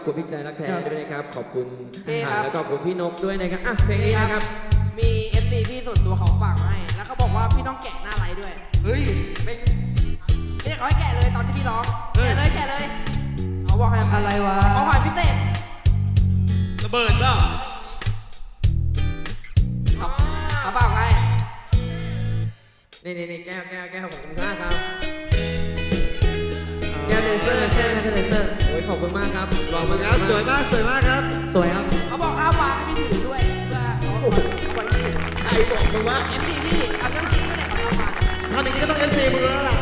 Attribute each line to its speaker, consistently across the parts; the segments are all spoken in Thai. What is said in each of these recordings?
Speaker 1: ขอบคุณพี่ชายรักแท้ด้วยนะครับขอบคุณแล้วก็ขอบคุณพี่นกด้วยนะครับอ่ะเพลงนี้นะครับ
Speaker 2: มี FC พี่ส่วนตัวเขาฝากมาให้แล้วเขาบอกว่าพี่ต้องแกะหน้าไลฟ์ด้วย
Speaker 3: เฮ้ย
Speaker 2: เป็นเรียกเขาให้แกะเลยตอนที่พี่ร้องแกะเลยเขาบอกให้
Speaker 3: อะไรวะ
Speaker 2: ของขวัญพิเศษ
Speaker 3: ระเบิดเปล่า
Speaker 2: เขาฝากให้
Speaker 1: นี่แก้วขอบคุณมากครับแก้วเลเซอร์โอ้ยขอบคุณมากครับรอมา
Speaker 3: ครับสวยมากครับสวยครับ
Speaker 2: เขาบอกห้ามวางให้พี่ถือด้วยเพื่อ
Speaker 1: ใครบอกมึงว่า
Speaker 2: FC พี่เอาเรื่องจริงไม่ได้เขาทำมา
Speaker 3: ทำอย่างนี้ก็ต้อง FC มึงแล้วล่ะ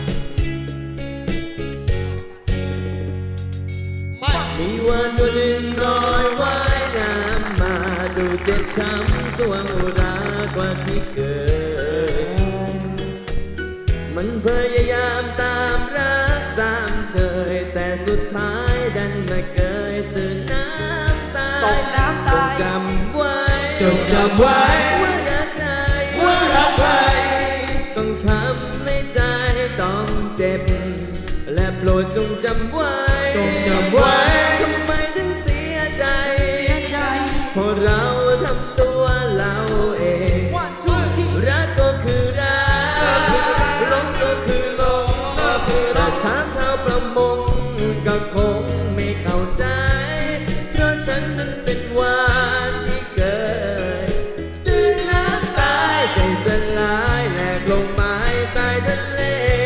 Speaker 1: มีวันตัวหนึ่งลอยว่ายน้ำมาดูเจ็บช้ำสวงอุรากว่าที่เกิดมันพยายามตามรักสามเชยแต่สุดท้ายดันมาเกยตื่นน้ำตายจำไว้ว่ารักใครต้องทำให้ใจต้องเจ็บและโปรดจงจำไว้ทำไมถึงเสียใจเพราะเราทำตัวเราเองรักก็คือรักหลงก็คือหลงแต่ช้างเท้าประมงก็คงไม่เข้าใจเพราะฉันนั้นเป็นวานที่เกิดตื่นน้ำตายใจสลายแหลกลงไม้ใต้ทะเล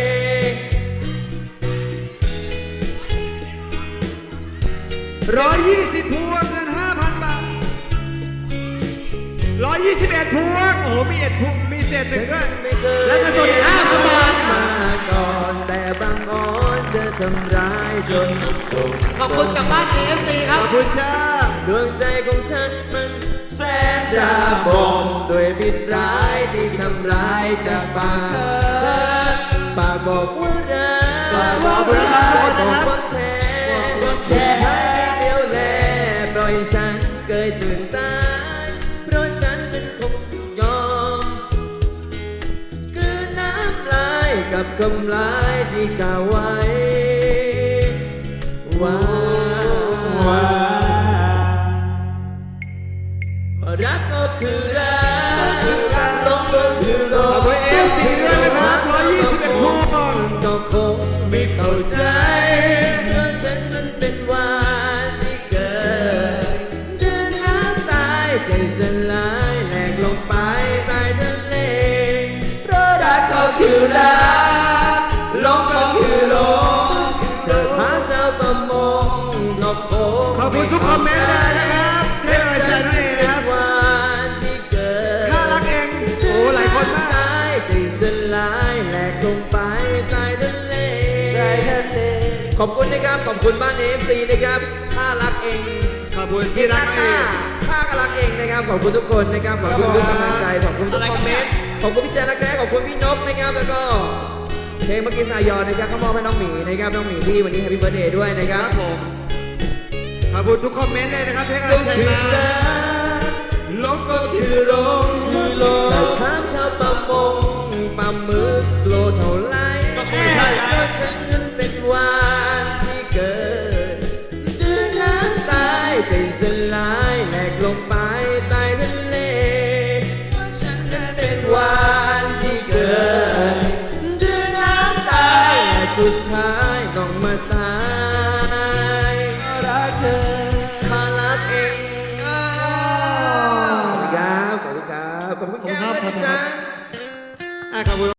Speaker 3: 120 พวงเงิน 5,000 บาท121 พวงโอ้โหมี1 พวงมีเศษหนึ่งด้วยแล้วก็ส่วน5,000 บาท
Speaker 1: มาก่อนแต่บางอ้อนจะทำร้ายจน
Speaker 3: ขอบคุณจากบ้าน AFC ครับขอบคุณจ้า
Speaker 1: ดวงใจของฉันมันแสนระบมด้วยพิษร้ายที่ทำร้ายจากปากเธอปากบอกว่ารักบอกว่าแค่ให้เดียวแลปล่อยฉันเกยตื่นตายเพราะฉันนั้นคงยอมกลืนน้ำลายกับคำลายที่กล่าวไว้ว่ารักก็คือรักลงก็คือลง
Speaker 3: ขอบคุณ AFC ด้วยนะครับ121 พวง
Speaker 1: ก็คงไม่เข้าใจเพราะฉันนั้นเป็นวานที่เกิดเดินน้ำตายใจสลายแหลกลงไปใต้ทะเลเพราะรักก็คือรักลงก็คือลงเธอท้าชาวประมงก็คง
Speaker 3: ขอบคุณทุกคอมเมนต์เลยนะครับให้กำลังใจน้องเองนะครับข้ารักเองโอ้หลายคนมาก
Speaker 1: ใจสลายแหลกลงไปใต้ทะเลขอบคุณนะครับขอบคุณบ้าน AFC นะครับข้ารักเอง
Speaker 3: ขอบคุณที่รัก
Speaker 1: ข้าก็รักเองนะครับขอบคุณทุกคนนะครับขอบคุณทุกกำลังใจขอบคุณทุกคอมเมนต์ขอบคุณพี่แจ๊ครักแท้ขอบคุณพี่นกนะครับแล้วก็เพลงเมื่อกี้สายอนนะครับเขามอบให้น้องหมีนะครับน้องหมีที่วันนี้แฮปปี้เบิร์ธเดย์ด้วยนะครับ
Speaker 3: ผมขอบคุณทุกคอมเมนต์เลยนะครับที่กำลังใจมา
Speaker 1: ลงก็คือลงแต่ช้างชาวประมงปลาหมึกโลเท่าไร
Speaker 3: ก็คงไม่ใช่
Speaker 1: เพราะฉันนั้นเป็นวานที่เกิดตื่นน้ำตายใจสลายแหลกลงไปใต้ทะเลเพราะฉันนั้นเป็นวานที่เกิดตื่นน้ำตายและสุดท้ายต้องมาตายรักเธอข้ารักเองขอบคุณแก้วด้วยนะจ๊ะ
Speaker 3: ขอบคุณ